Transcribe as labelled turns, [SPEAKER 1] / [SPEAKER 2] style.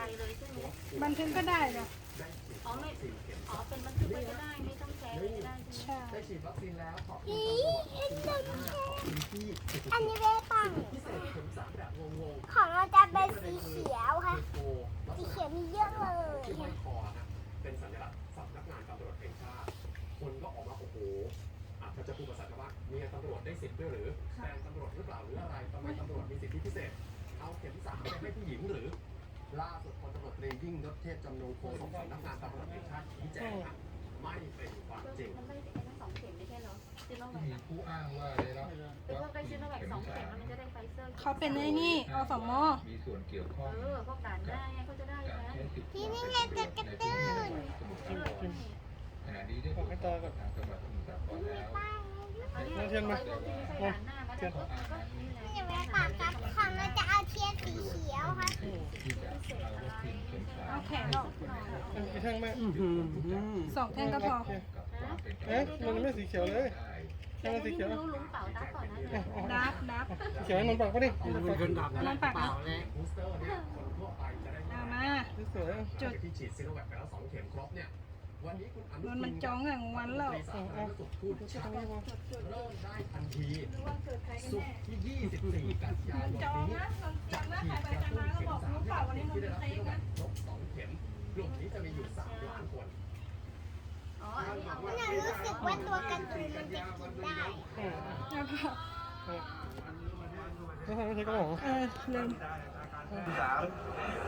[SPEAKER 1] เลยใช่ไหม
[SPEAKER 2] บันทึกก็ได้จ้ะ
[SPEAKER 1] อ๋อไม่อ๋อเป็นบันทึกไว้ก็ได้ไม่ต้องแชร์ไว้ก็ได้ใช่ไหม
[SPEAKER 2] ใช่
[SPEAKER 3] ได้ฉีดวัคซีนแล้วขอบคุณตำรวจขอบคุณที่
[SPEAKER 4] อันนี้ไม่ปัง
[SPEAKER 3] พิเศษเข็มสามแบบงง
[SPEAKER 4] ของเราจะเป็นสีเขียว
[SPEAKER 3] ๆ
[SPEAKER 4] ค่ะ
[SPEAKER 3] คือโกลัก
[SPEAKER 4] สี
[SPEAKER 3] ษ
[SPEAKER 4] เขี
[SPEAKER 3] ณะ
[SPEAKER 4] ยวมีเยอะเลย
[SPEAKER 3] ที่ห้อยคอนะเป็นสัญลักษณ์สำนักงานตำรวจแห่งชาติคนก็ออกมาโอ้โหถ้าจะพูดภาษาชาวบ้านเมียตำรวจได้สิทธิ์ด้วยหรือแฟนตำรวจหรือเปล่าหรืออะไรทำไมตำรวจมีสิทธิพิเศษเอาเข็มสามไปให้ผู้หญิงหรือล่าสุดพลตำรวจตรียิ่งยศเทพจำนงโฆษกสำนักงานตำรวจแห่งชาติชี้แจงนะไม่เป็นความจริง
[SPEAKER 1] มันไม่ได้ทั้ง2 เข็มไม่ใช่เหรอซิโนแว
[SPEAKER 5] มี
[SPEAKER 1] ค
[SPEAKER 5] ผู้อ้างว่าได้รับ
[SPEAKER 1] คือพวกได้ซิโนแวค2 เข็มมันจะได้ไฟเซอร์
[SPEAKER 2] เขาเป็นไอ้นี่อสม
[SPEAKER 5] มีส่วนเกี่ยวข้อง
[SPEAKER 1] พวกด่านหน้าไงเขาจะได้
[SPEAKER 5] การ
[SPEAKER 1] แล้ว
[SPEAKER 5] ใช้สิทธิ์
[SPEAKER 4] ที่นี่ไงจะกระตุ้น
[SPEAKER 5] ขณะนี้ได้ตรวจสอบกับทางจังหวัดสมุทรสาครแล้ว
[SPEAKER 1] เอาเทียนมาด่านหน้ามาแล้วก็นี่แหละ
[SPEAKER 4] นี่ไม่ปังครับของเราจะเอาเทียนสีเขียวค่ะ
[SPEAKER 5] ที่จะเอาวัคซีนเข็มสาม
[SPEAKER 2] เอาแขนออก
[SPEAKER 6] กี่แท่งแม่
[SPEAKER 2] 2 แท่งก็พอ
[SPEAKER 5] กับความเป็น
[SPEAKER 6] เอ๊ะมันไม่สีเขียวเลย
[SPEAKER 1] แต่นี่ไม่รู้ลุงเต่าตาก่อนนะ
[SPEAKER 2] นับ
[SPEAKER 6] สีเขียวให้มันปักปะดิ
[SPEAKER 7] คนดับ
[SPEAKER 2] นอนปากนะ
[SPEAKER 3] บูสเตอร์เนี่ยคนทั่วไปจะได้
[SPEAKER 2] เอามา
[SPEAKER 6] สวย
[SPEAKER 2] จุด
[SPEAKER 3] ที่ฉีดซีโนแวคไปแล้ว2 เข็มครบเนี่ยวันนี้คุณอนุ
[SPEAKER 2] โดนมันจ้องอย่างวันแล้ว
[SPEAKER 3] สาธารณสุขพูดชัดเริ่มได้ทันที
[SPEAKER 2] รู้ว่าเกิดใครกัน
[SPEAKER 3] ศุก
[SPEAKER 2] แน่
[SPEAKER 3] ร์ที่24 กันยายน
[SPEAKER 2] จอง
[SPEAKER 3] นี้
[SPEAKER 2] นะลองเตรียมนะใครไปกันมาก็บอกรู้เปล่าวันนี้มัน
[SPEAKER 3] ที่
[SPEAKER 2] เป็
[SPEAKER 3] ได้
[SPEAKER 2] น
[SPEAKER 3] รับ
[SPEAKER 2] เค้
[SPEAKER 3] ซี
[SPEAKER 2] ก นะ
[SPEAKER 3] โนแวคครบ2 เข็มกลุ่มนี้จะมีอยู่3 ล้านคน
[SPEAKER 1] อ๋ออันนี้เอาไว้
[SPEAKER 4] หนูรู้สึกว่าตัวการ์ตูนมันจะกินได้
[SPEAKER 2] แล้วก็
[SPEAKER 6] แล้วทำไม่ใช่กระหม่อม
[SPEAKER 2] ลืม